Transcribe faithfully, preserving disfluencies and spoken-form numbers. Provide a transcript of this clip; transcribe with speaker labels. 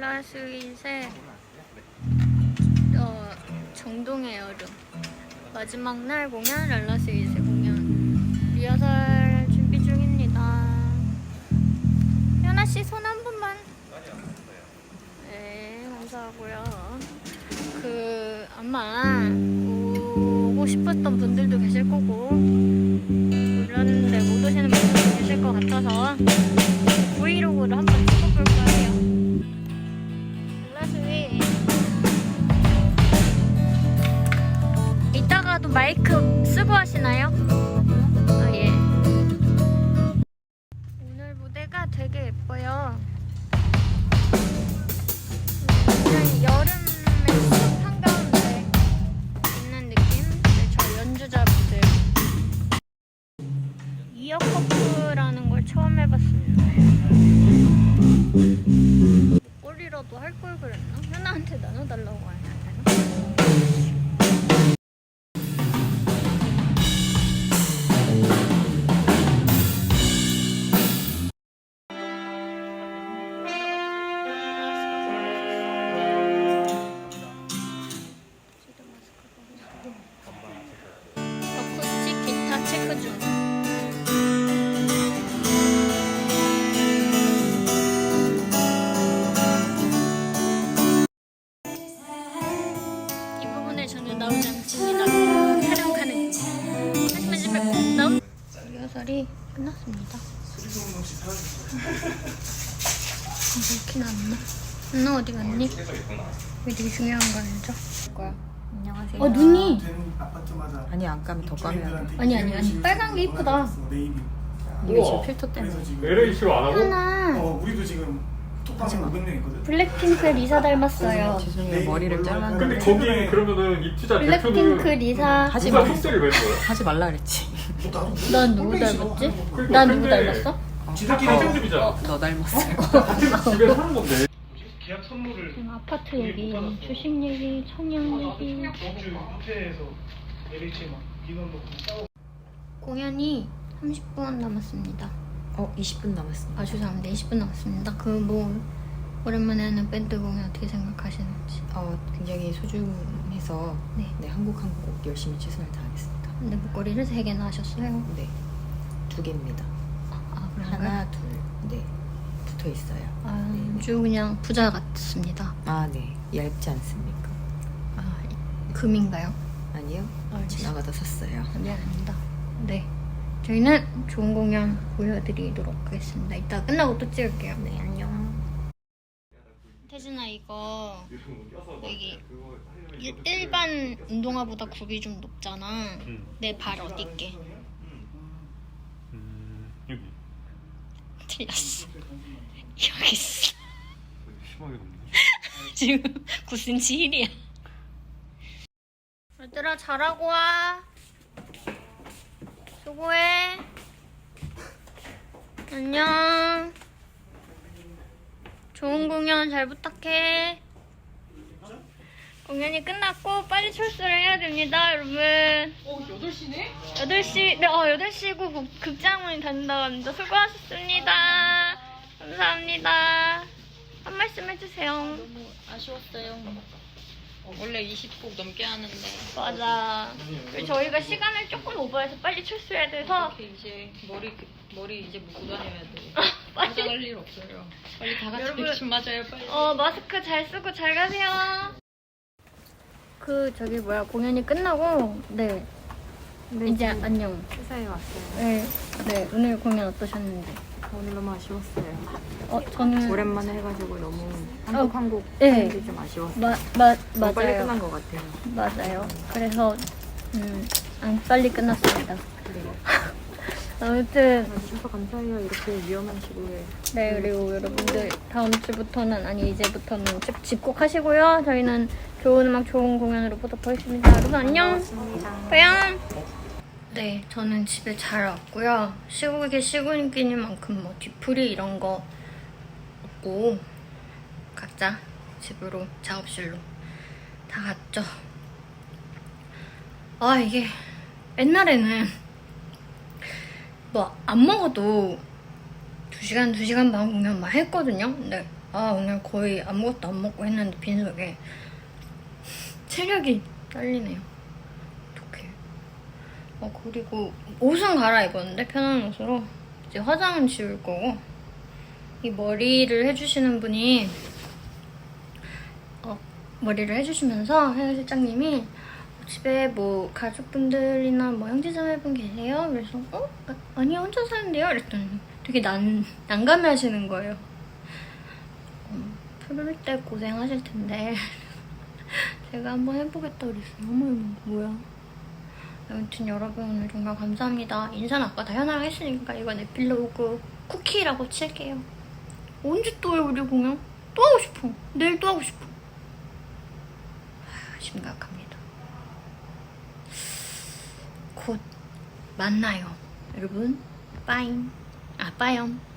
Speaker 1: 랄라스윗의 어, 정동의 여름 마지막 날 공연, 랄라스윗의 공연 리허설 준비 중입니다. 현아씨 손 한 번만. 네, 감사하고요. 그 아마 오고 싶었던 분들도 계실 거고 그런데 못 오시는 분들도 계실 것 같아서 브이로그를 한번 찍어볼 거예요. 랄라스윗 이따가도 마이크 쓰고 하시나요? 아, 예. 오늘 무대가 되게 예뻐요. 그냥 여름의 숲 한가운데 있는 느낌? 네, 저 연주자분들 이어커프라는 걸 처음 해봤습니다. 꼴이라도 할 걸 그랬나? 현아한테 나눠달라고 해야 되나? 어쿠스틱 기타 체크 중. 이 부분에 전혀 나오지 않습니다. 촬영하는 하지만 집에 꼭 나온 리허설이 끝났습니다. 이렇게 나왔나? 누나 어디 갔니? 이게 되게 중요한 거 알죠?
Speaker 2: 거야. 안녕하세요.
Speaker 1: 어 눈이
Speaker 3: 아파트마다
Speaker 2: 아니 안 까면 더 까면 돼.
Speaker 1: 아니 아니 아니 빨간 게 이쁘다.
Speaker 2: 이게 지금 필터 때문에.
Speaker 4: 엘에이씨로 안 하고?
Speaker 1: 하나
Speaker 3: 어 우리도 지금 톡방에 오백 명 있거든.
Speaker 1: 블랙핑크 리사 닮았어요.
Speaker 2: 죄송해요. 머리를
Speaker 4: 근데
Speaker 2: 잘랐는데
Speaker 4: 거기 그러면은 입주자
Speaker 1: 블랙핑크
Speaker 4: 대표는
Speaker 1: 리사.
Speaker 2: 하지
Speaker 4: 누가
Speaker 2: 마.
Speaker 4: 속세를 낸 거야?
Speaker 2: 하지 말라 그랬지.
Speaker 1: 난 누구 닮았지?
Speaker 4: 그러니까
Speaker 1: 난 누구
Speaker 4: 근데
Speaker 1: 닮았어?
Speaker 4: 지들끼리 행정집이잖아.
Speaker 2: 너 닮았어요.
Speaker 4: 같은 집에 사는 건데.
Speaker 3: 계약 선물을
Speaker 1: 지금 아파트 얘기, 주식 얘기, 청약 얘기.
Speaker 3: 전주 호텔에서 엘에이치 막 민원도 싸우고.
Speaker 1: 공연이 삼십 분 남았습니다.
Speaker 2: 어 이십 분 남았습니다.
Speaker 1: 아 죄송합니다. 이십 분 남았습니다. 그 뭐 오랜만에 하는 밴드 공연 어떻게 생각하시는지.
Speaker 2: 어 굉장히 소중해서
Speaker 1: 네.
Speaker 2: 네 한국 한국 열심히 최선을 다하겠습니다.
Speaker 1: 근데 목걸이를 세 개나 하셨어요.
Speaker 2: 네 두 개입니다.
Speaker 1: 아 그런가요?
Speaker 2: 하나 둘 네 붙어 있어요.
Speaker 1: 아주 그냥 부자 같습니다.
Speaker 2: 아 네 얇지 않습니까?
Speaker 1: 아 금인가요?
Speaker 2: 아니요
Speaker 1: 아,
Speaker 2: 지나가다 샀어요.
Speaker 1: 아, 미안합니다. 네. 저희는 좋은 공연 보여드리도록 하겠습니다. 이따 끝나고 또 찍을게요.
Speaker 2: 네 안녕.
Speaker 1: 태진아 이거 여기 일- 일반 운동화보다 굽이 좀 높잖아.
Speaker 4: 응.
Speaker 1: 내 발 어디 있게?
Speaker 4: 음, 여기
Speaker 1: 틀렸어. 여기 있어.
Speaker 4: 심하게 높네.
Speaker 1: 지금 구 센티미터 힐이야. 얘들아 잘하고 와. 수고해. 안녕. 좋은 공연 잘 부탁해. 공연이 끝났고 빨리 출소를 해야 됩니다, 여러분.
Speaker 5: 어, 여덟 시네?
Speaker 1: 여덟 시, 네, 어, 여덟 시고 극장문이 닫는다고 합니다. 수고하셨습니다. 감사합니다. 한 말씀 해주세요.
Speaker 5: 너무 아쉬웠어요. 원래 이십 곡 넘게 하는데
Speaker 1: 맞아. 그리고 저희가 시간을 조금 오버해서 빨리 출소해야 돼서
Speaker 5: 이렇게 이제 머리 머리 이제 묶고 다녀야 돼.
Speaker 1: 빨리.
Speaker 5: 화장할 일 없어요. 빨리 다 같이
Speaker 1: 여러분,
Speaker 5: 백신 맞아요. 빨리.
Speaker 1: 어 마스크 잘 쓰고 잘 가세요. 그 저기 뭐야 공연이 끝나고 네, 이제 안녕.
Speaker 2: 회사에 왔어요.
Speaker 1: 네, 네 오늘 공연 어떠셨는지.
Speaker 2: 오늘 너무 아쉬웠어요.
Speaker 1: 어 저는
Speaker 2: 오랜만에 해가지고 너무 한국
Speaker 1: 어,
Speaker 2: 한국
Speaker 1: 네.
Speaker 2: 하는 게 좀 아쉬웠어요.
Speaker 1: 마, 마,
Speaker 2: 너무 빨리
Speaker 1: 맞아요.
Speaker 2: 끝난 것 같아요.
Speaker 1: 맞아요. 그래서 음, 안 빨리 끝났습니다.
Speaker 2: 네.
Speaker 1: 아무튼
Speaker 2: 와주셔서 감사해요. 이렇게 위험한 시국에.
Speaker 1: 네 그리고 여러분들 다음 주부터는 아니 이제부터는 집, 집콕하시고요. 저희는 좋은 음악 좋은 공연으로 보도록 하겠습니다. 여러분 안녕. 빠양. 네 저는 집에 잘 왔고요. 시국이 시국이니만큼 뭐 뒤풀이 이런 거 없고 각자 집으로 작업실로 다 갔죠. 아 이게 옛날에는 뭐 안 먹어도 두 시간, 두 시간 반 공연 막 했거든요. 근데 아 오늘 거의 아무것도 안 먹고 했는데 빈속에 체력이 딸리네요. 어떡해. 어 그리고 옷은 갈아입었는데 편한 옷으로 이제 화장은 지울 거고 이 머리를 해주시는 분이 어, 머리를 해주시면서 헤어 실장님이 집에 뭐 가족분들이나 뭐 형제자매분 계세요? 그래서 어? 아, 아니요 혼자 사는데요? 이랬더니 되게 난, 난감해 하시는 거예요. 어, 풀을 때 고생하실 텐데 제가 한번 해보겠다 그랬어요. 어머 이거 뭐야. 아무튼 여러분 오늘 정말 감사합니다. 인사는 아까 다 현아랑 했으니까 이건 에필로그 쿠키라고 칠게요. 언제 또 해 우리 공연? 또 하고 싶어. 내일 또 하고 싶어. 하, 심각합니다. 곧 만나요 여러분. 빠잉. 아 빠염.